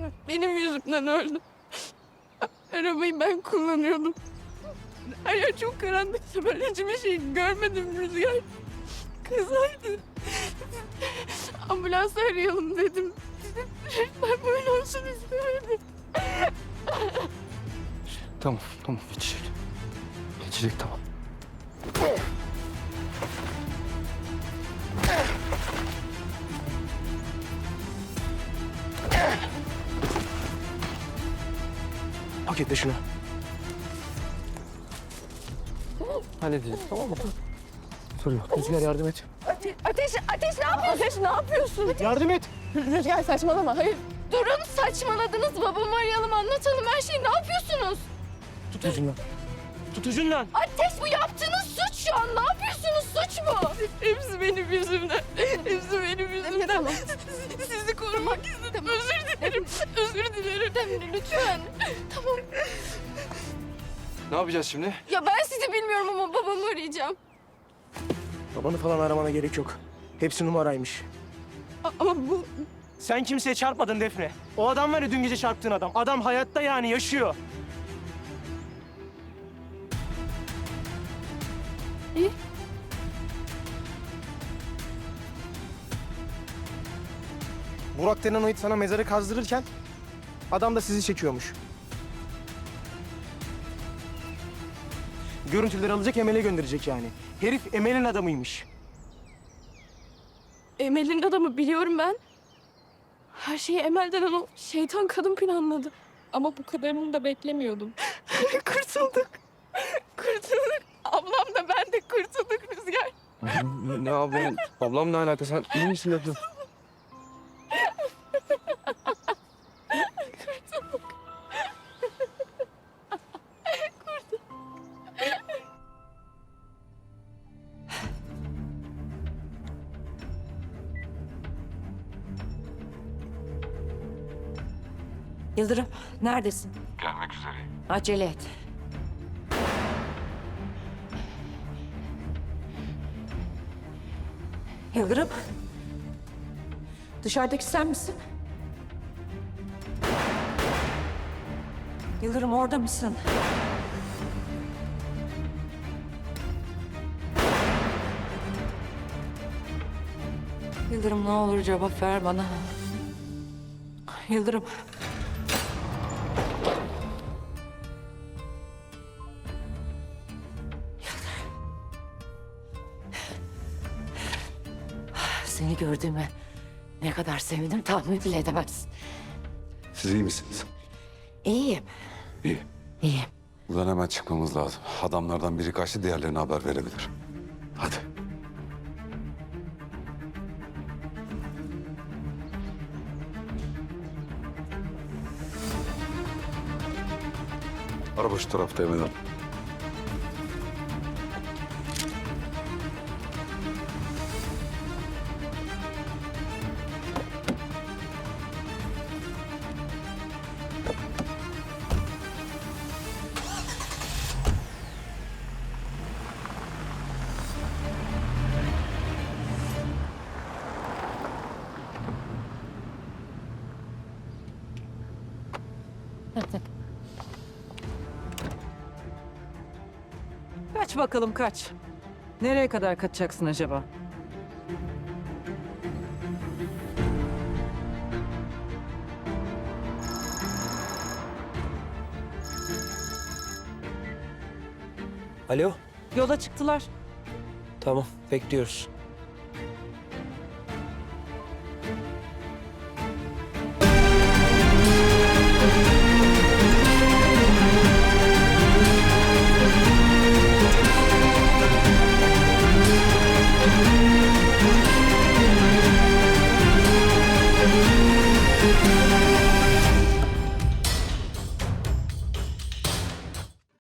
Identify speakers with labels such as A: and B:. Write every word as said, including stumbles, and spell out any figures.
A: benim yüzümden öldü. Arabayı ben kullanıyordum. Her yer çok karanlıktı. Ben hiçbir şey görmedim Rüzgar. Kızardı. Ambulans arayalım dedim. Ben böyle olsun istemedim.
B: Tamam, tamam. Geçecek. Geçecek, tamam. Paketle şunu. Halledeceğiz, tamam mı? Sorun yok. Rüzgar yardım et.
A: Ate ateş, Ateş ne yapıyorsun? Ateş ne yapıyorsun?
B: Yardım et.
A: Rüzgar saçmalama, hayır. Durun, saçmaladınız. Babamı arayalım, anlatalım her şeyi. Ne yapıyorsunuz?
B: Tut ucundan. Tut ucundan.
A: Ateş, bu yaptığınız suç şu an. Ne yapıyorsunuz? Suç bu. Hepsi benim yüzümden. Hepsi benim yüzümden. Tamam. Sizi korumak istedim. Özür dilerim. Özür dilerim. Tamam, lütfen. Tamam.
B: Ne yapacağız şimdi?
A: Ya ben sizi bilmiyorum ama babamı arayacağım.
C: Babanı falan aramana gerek yok. Hepsi numaraymış.
A: A- ama bu...
C: Sen kimseye çarpmadın Defne. O adam var ya dün gece çarptığın adam. Adam hayatta yani yaşıyor.
A: İyi.
C: Burak denen o it sana mezarı kazdırırken adam da sizi çekiyormuş. Görüntüleri alacak Emel'e gönderecek yani. Herif Emel'in adamıymış.
A: Emel'in adamı biliyorum ben. Her şeyi Emel denen o şeytan kadın planladı. Ama bu kadarını da beklemiyordum. Kurtulduk. Kurtulduk. Ablam da ben de kurtulduk Rüzgar.
B: Ne ablam? Ablam ne alaka? Sen iyi misin ablam?
D: Yıldırım, neredesin?
E: Gelmek üzereyim.
D: Acele et. Yıldırım. Dışarıdaki sen misin? Yıldırım, orada mısın? Yıldırım, ne olur cevap ver bana. Yıldırım. Seni gördüğüme ne kadar sevindim tahmin bile edemezsin.
E: Siz iyi misiniz?
D: İyiyim,
E: İyi.
D: iyiyim.
E: Buradan hemen çıkmamız lazım. Adamlardan biri kaçtı, diğerlerine haber verebilir. Hadi. Araba şu tarafta Emel Hanım.
F: Kaç bakalım kaç. Nereye kadar kaçacaksın acaba?
G: Alo,
F: Yola çıktılar.
G: tamam bekliyoruz.